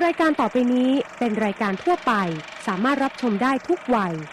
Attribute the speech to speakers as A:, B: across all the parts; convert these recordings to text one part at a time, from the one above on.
A: รายการต่อไปนี้เป็นรายการทั่วไปสามารถรับชมได้ทุกวัย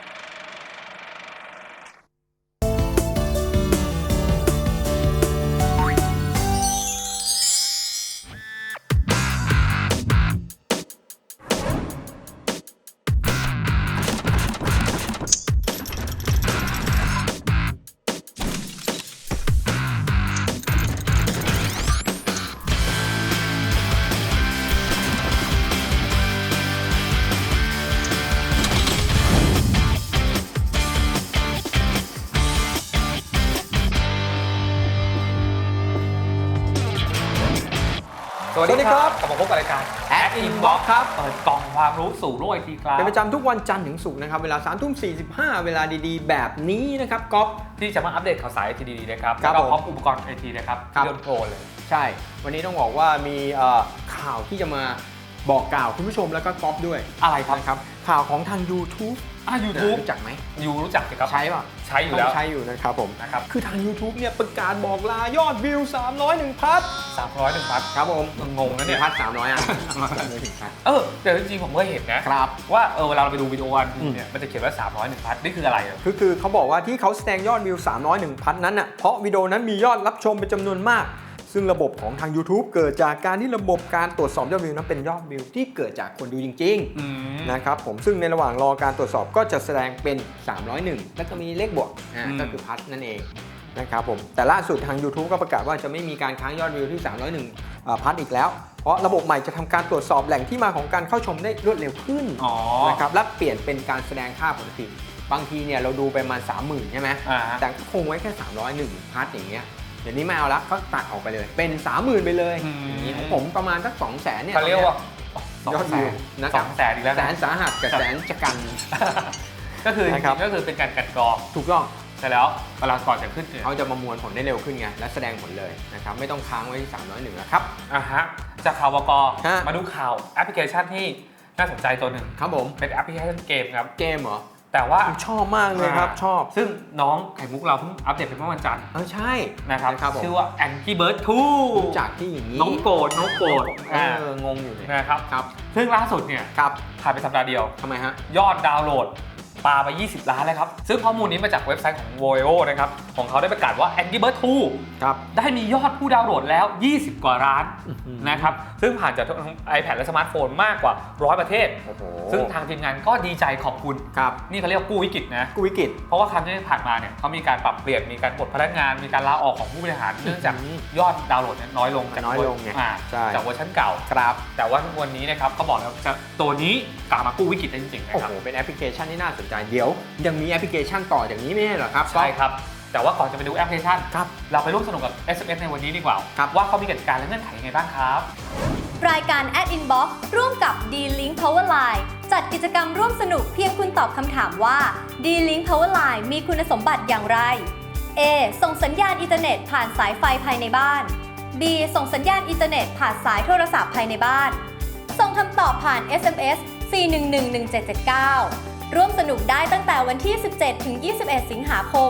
B: สวัสดีครับกลับมาพบกับรายการ Ad Inbox ครับเปิดกล่องความรู้สู่โลกไอทีครับ
C: เป็นประจำทุกวันจันทร์ถึงศุกร์นะครับเวลา 3:45 เวลาดีๆแบบนี้นะครับก๊อฟ
B: ที่จะมาอัปเดตข่าวสารไอทีดีๆนะครับแล้วก็พร้อมอุปกรณ์ไอทีนะครับเรื่องโปรเลย
C: ใช่วันนี้ต้องบอกว่ามีข่าวที่จะมาบอกกล่าวคุณผู้ชมแล้วก็ก๊อฟด้วย
B: อะไรครับ
C: ข่าวของทาง YouTube
B: YouTube
C: รู้จักไหม
B: รู้จักสิครับ
C: ใช่ป่ะ
B: ใช้อยู่แล้ว
C: ใช้อยู่นะครับผม
B: นะครับ
C: คือทาง YouTube เนี่ยประกาศบอกลายอดวิว301พัท
B: 301พัท
C: ครับผม
B: งงนะเนี่ย
C: พัท300อ่ะ
B: แต่จริงๆผมก็เห็นนะครับว่าเวลาเราไปดูวิดีโออันเนี่ยมันจะเขียนว่า301พัทนี่คืออะไร
C: คือเขาบอกว่าที่เขาแสดงยอดวิว301พัทนั้นน่ะเพราะวิดีโอนั้นมียอดรับชมเป็นจำนวนมากซึ่งระบบของทาง YouTube เกิดจากการที่ระบบการตรวจสอบยอดวิวนั้นเป็นยอดวิวที่เกิดจากคนดูจริงๆนะครับผมซึ่งในระหว่างรอการตรวจสอบก็จะแสดงเป็น301แล้วก็มีเลขบวกก็คือพัทนั่นเองนะครับผมแต่ล่าสุดทาง YouTube ก็ประกาศว่าจะไม่มีการค้างยอดวิวที่301พัทอีกแล้วเพราะระบบใหม่จะทำการตรวจสอบแหล่งที่มาของการเข้าชมได้รวดเร็วขึ้นนะครับและเปลี่ยนเป็นการแสดงค่าผลผลิตบางทีเนี่ยเราดูไปประมาณ 30,000 ใช่ไหมแต่ก็คงไว้แค่301พัทอย่างเงี้ยเดี๋ยวนี้ไม่เอาละก็ตัดออกไปเลยเป็น 30,000 ไปเลยอย่างนี้ของผมประมาณสัก 200,000 เนี่ย
B: เขาเรียกว่า
C: 200,000นะครับ
B: 200,000อีกแล้ว
C: แสนสาหัสกับแสนจะกัน
B: ก็คือเป็นการกัดกรอง
C: ถูกต้อง
B: ใช่แล้วเวลาก่อนจะขึ้น
C: เขาจะประมวลผลได้เร็วขึ้นไงและแสดงผลเลยนะครับไม่ต้องค้างไว้ที่301แล้วครับ
B: จากข่าววกมาดูข่าวแอปพลิเคชันที่น่าสนใจตัวหนึ่ง
C: ครับผม
B: เป็นแอปพลิเคชันเกมครับ
C: เกมเหรอ
B: แต่ว่า
C: ชอบมากเลยครับชอบ
B: ซึ่งน้องไข่มุกเราเพิ่งอัปเดตไปเมื่อวันจันทร์
C: ใช่
B: นะครับชื่อว่า Angry Bird 2
C: จากที่อย่างนี้
B: น้องโกรธ
C: งงอยู่เลย
B: นะครับซึ่งล่าสุดเนี่ยผ่านไปสัปดาห์เดียว
C: ทำไมฮะ
B: ยอดดาวน์โหลดปาไป20 ล้านเลยครับซึ่งข้อมูลนี้มาจากเว็บไซต์ของ Voio นะครับของเขาได้ประกาศว่า Angry Bird 2ได้มียอดผู้ดาวน์โหลดแล้ว20 กว่าล้านนะครับซึ่งผ่านจากทั้ง iPad และสมาร์ทโฟนมากกว่า100ประเทศซึ่งทางทีมงานก็ดีใจขอบคุณนี่เขาเรียกกู้วิกฤตนะ
C: กู้วิกฤต
B: เพราะว่าครั้งที่ผ่านมาเนี่ยเขามีการปรับเปลี่ยนมีการปลดพนักงานมีการลาออกของผู้บริหารเนื่องจากยอดดาวน์โหลดน้อยลงจากเวอร์ชันเก่าแต่ว่าวันนี้นะครับเขาบอกแล้วจะตัวนี้กลับมากู้วิกฤตได้จริงๆนะครับ
C: เป็นแอปพลิเคชันที่น่าสนใจเดี๋ยวยังมีแอปพลิเคชันต่อจากนี้ไม่ใช่เหรอครับ
B: ใช่ครับแต่ว่าก่อนจะไปดูแอปพลิเคชันเราไปร่วมสนุกกับ SMS ในวันนี้ดีกว่าว่าเขามีกติกาและเงื่อนไขยังไงบ้างครับ
D: รายการ Ad Inbox ร่วมกับ D-Link Powerline จัดกิจกรรมร่วมสนุกเพียงคุณตอบคำถามว่า D-Link Powerline มีคุณสมบัติอย่างไร A ส่งสัญญาณอินเทอร์เน็ตผ่านสายไฟภายในบ้าน B ส่งสัญญาณอินเทอร์เน็ตผ่านสายโทรศัพท์ภายในบ้านส่งคำตอบผ่าน SMS 4111779ร่วมสนุกได้ตั้งแต่วันที่ 17 ถึง 21 สิงหาคม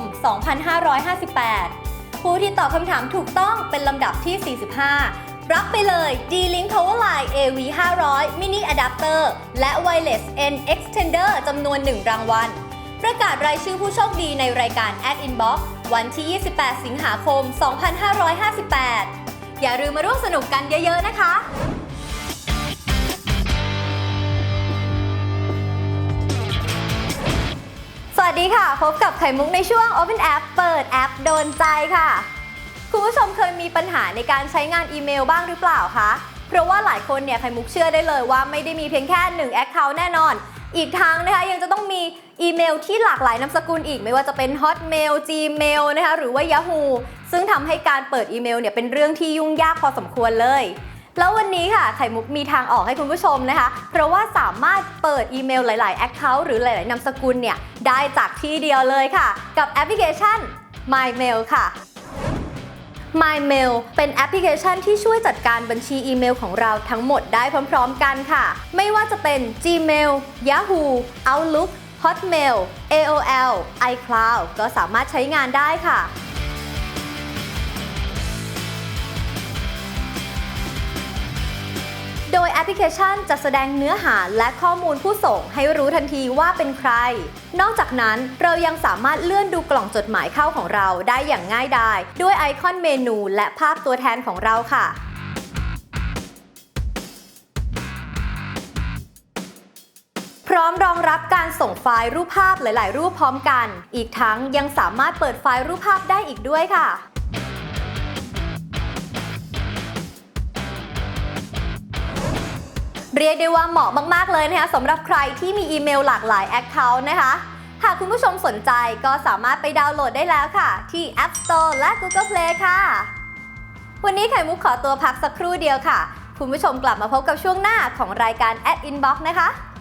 D: 2558 ผู้ที่ตอบคำถามถูกต้องเป็นลำดับที่ 45 รับไปเลย D-Link Powerline AV 500 Mini Adapter และ Wireless N Extender จำนวน 1 รางวัลประกาศรายชื่อผู้โชคดีในรายการ Ad Inbox วันที่ 28 สิงหาคม 2558 อย่าลืมมาร่วมสนุกกันเยอะๆนะคะสวัสดีค่ะพบกับไข่มุกในช่วง Open App เปิดแอปโดนใจค่ะคุณผู้ชมเคยมีปัญหาในการใช้งานอีเมลบ้างหรือเปล่าคะเพราะว่าหลายคนเนี่ยไข่มุกเชื่อได้เลยว่าไม่ได้มีเพียงแค่1 Account แน่นอนอีกทั้งนะคะยังจะต้องมีอีเมลที่หลากหลายนามสกุลอีกไม่ว่าจะเป็น Hotmail Gmail นะคะหรือว่า Yahoo ซึ่งทำให้การเปิดอีเมลเนี่ยเป็นเรื่องที่ยุ่งยากพอสมควรเลยแล้ววันนี้ค่ะไข่มุกมีทางออกให้คุณผู้ชมนะคะเพราะว่าสามารถเปิดอีเมลหลายๆ Account หรือหลายๆนามสกุลเนี่ยได้จากที่เดียวเลยค่ะกับแอปพลิเคชัน MyMail ค่ะ MyMail เป็นแอปพลิเคชันที่ช่วยจัดการบัญชีอีเมลของเราทั้งหมดได้พร้อมๆกันค่ะไม่ว่าจะเป็น Gmail Yahoo Outlook Hotmail AOL iCloud ก็สามารถใช้งานได้ค่ะโดยแอพลิเคชันจะแสดงเนื้อหาและข้อมูลผู้ส่งให้รู้ทันทีว่าเป็นใคร นอกจากนั้นเรายังสามารถเลื่อนดูกล่องจดหมายเข้าของเราได้อย่างง่ายดายด้วยไอคอนเมนูและภาพตัวแทนของเราค่ะพร้อมรองรับการส่งไฟล์รูปภาพหลายๆรูปพร้อมกันอีกทั้งยังสามารถเปิดไฟล์รูปภาพได้อีกด้วยค่ะเรียกได้ว่าเหมาะมากๆเลยนะคะสำหรับใครที่มีอีเมลหลากหลาย Account นะคะหากคุณผู้ชมสนใจก็สามารถไปดาวน์โหลดได้แล้วค่ะที่ App Store และ Google Play ค่ะวันนี้ไข่มุกขอตัวพักสักครู่เดียวค่ะคุณผู้ชมกลับมาพบกับช่วงหน้าของรายการ Inbox นะคะ